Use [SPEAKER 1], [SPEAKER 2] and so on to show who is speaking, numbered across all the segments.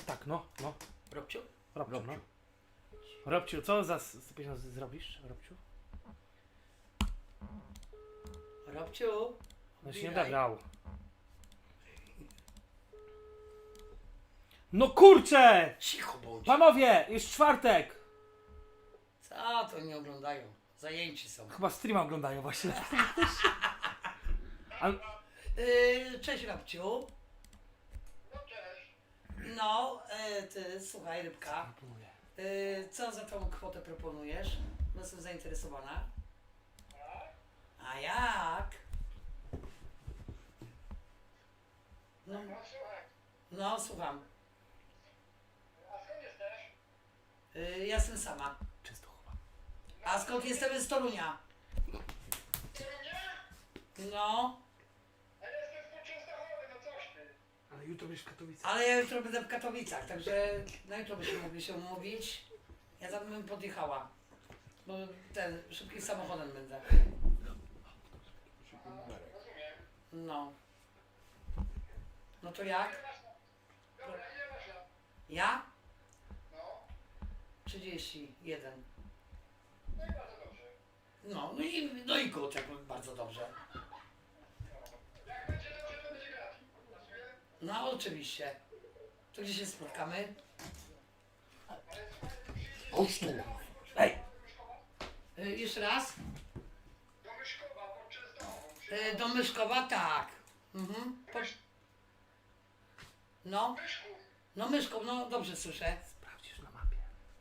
[SPEAKER 1] Tak, no.
[SPEAKER 2] Robciu?
[SPEAKER 1] Robciu, no. Robciu, co za pieniądze zrobisz, Robciu?
[SPEAKER 2] Robciu?
[SPEAKER 1] No się nie
[SPEAKER 2] Wbijaj.
[SPEAKER 1] odebrał. No kurczę!
[SPEAKER 2] Cicho bądź.
[SPEAKER 1] Panowie, jest czwartek!
[SPEAKER 2] Co to nie oglądają? Zajęci są.
[SPEAKER 1] Chyba streama oglądają właśnie.
[SPEAKER 2] Cześć Robciu. No, ty, słuchaj Rybka. Co za tą kwotę proponujesz? No, jestem zainteresowana. A jak? No, słucham.
[SPEAKER 3] A skąd jesteś?
[SPEAKER 2] Ja jestem sama.
[SPEAKER 1] Czysto chyba.
[SPEAKER 2] A skąd jestem? Z Torunia.
[SPEAKER 3] Torunia?
[SPEAKER 2] No,
[SPEAKER 3] A ja jestem z Częstochowy, no coś ty.
[SPEAKER 1] Ale jutro będziesz w Katowicach.
[SPEAKER 2] ale ja jutro będę w Katowicach, także na jutro byśmy mogli się umówić. Ja tam bym podjechała. Bo ten, szybkim samochodem będę.
[SPEAKER 3] Rozumiem.
[SPEAKER 2] No. No to jak?
[SPEAKER 3] Dobra, ile masz lat?
[SPEAKER 2] Ja?
[SPEAKER 3] No.
[SPEAKER 2] 31.
[SPEAKER 3] No i bardzo dobrze.
[SPEAKER 2] No i kurczak, bardzo dobrze.
[SPEAKER 3] Jak będzie dobrze, to będzie grać. Pasuje?
[SPEAKER 2] No oczywiście. To gdzie się spotkamy?
[SPEAKER 3] Ale słuchaj, ty przyjedziesz
[SPEAKER 1] Ej!
[SPEAKER 2] Jeszcze raz?
[SPEAKER 3] do Myszkowa, pod Częstochową.
[SPEAKER 2] Do Myszkowa, tak. Mhm. No,
[SPEAKER 3] Myszków.
[SPEAKER 2] no Myszków, no dobrze słyszę.
[SPEAKER 1] Sprawdzisz na mapie.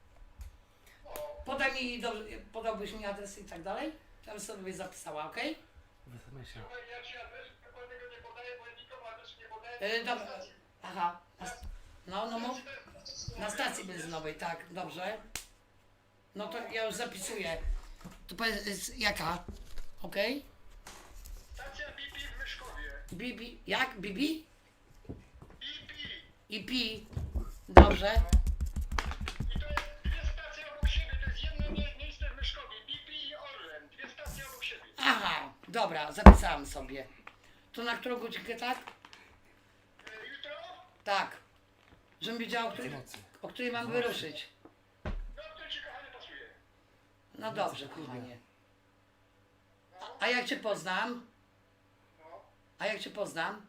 [SPEAKER 2] Podałbyś mi adres i tak dalej? Ja bym sobie zapisała, okej?
[SPEAKER 1] W SMS-ie.
[SPEAKER 3] Słuchaj, ja ci adresu dokładnego nie podaję, bo ja nikomu adresu nie podaję.
[SPEAKER 2] Dobra. Aha. No, mów. Na stacji benzynowej, tak, dobrze. No to ja już zapisuję. To powiedz, jaka? Okej?
[SPEAKER 3] Stacja BP w Myszkowie.
[SPEAKER 2] Bibi, jak? Bibi?
[SPEAKER 3] BP.
[SPEAKER 2] I Pi. Dobrze.
[SPEAKER 3] I to jest dwie stacje obok siebie. To jest jedno miejsce w Myszkowie. BP i Orlen. Dwie stacje obok siebie.
[SPEAKER 2] Aha, dobra, zapisałam sobie. To na którą godzinkę, tak?
[SPEAKER 3] Jutro?
[SPEAKER 2] Tak. Żebym wiedziała, o której mam wyruszyć.
[SPEAKER 3] No, to ci kochanie pasuje.
[SPEAKER 2] No dobrze, kochanie. A jak cię poznam?
[SPEAKER 3] No.
[SPEAKER 2] A jak cię poznam?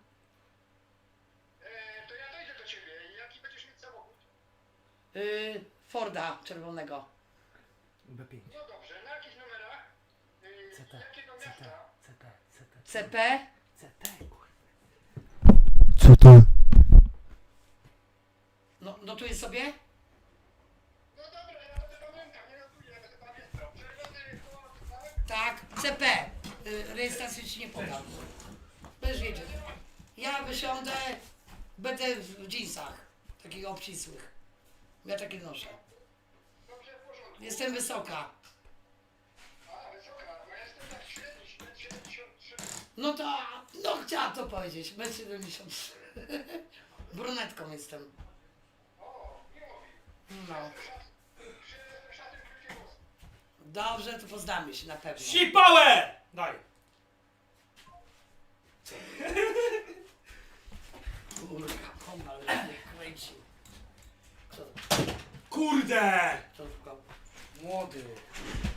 [SPEAKER 3] To ja dojdę do ciebie. Jaki będziesz mieć samochód?
[SPEAKER 2] Forda czerwonego.
[SPEAKER 1] B5.
[SPEAKER 3] No dobrze, na jakich numerach?
[SPEAKER 1] CT.
[SPEAKER 3] Jakiego miasta?
[SPEAKER 1] CT.
[SPEAKER 2] CP?
[SPEAKER 1] CT, kurwa.
[SPEAKER 4] Co to?
[SPEAKER 2] No tu jest sobie?
[SPEAKER 3] No dobra, ja będę pamiętał, nie notuję, ja będę pamiętał. Czerwony chłop,
[SPEAKER 2] Tak,
[SPEAKER 3] tak?
[SPEAKER 2] CP. Rejestrację ci nie podam. Będziesz wiedzieć. Ja wysiądę, będę w dżinsach. Takich obcisłych. Ja takie noszę.
[SPEAKER 3] Dobrze, w porządku.
[SPEAKER 2] Jestem wysoka.
[SPEAKER 3] A, wysoka, bo ja jestem tak średni, 73.
[SPEAKER 2] No to, no chciałam to powiedzieć. 1,70 m. Brunetką jestem.
[SPEAKER 3] O, nie mówi.
[SPEAKER 2] No.
[SPEAKER 3] Jestem szatem krótkiego włosu.
[SPEAKER 2] Dobrze, to poznamy się na pewno.
[SPEAKER 1] Sipałę! Daj.
[SPEAKER 2] Kurka, komal mnie kręcił. Kto to?
[SPEAKER 1] Kurde!
[SPEAKER 2] Kto to? Młody.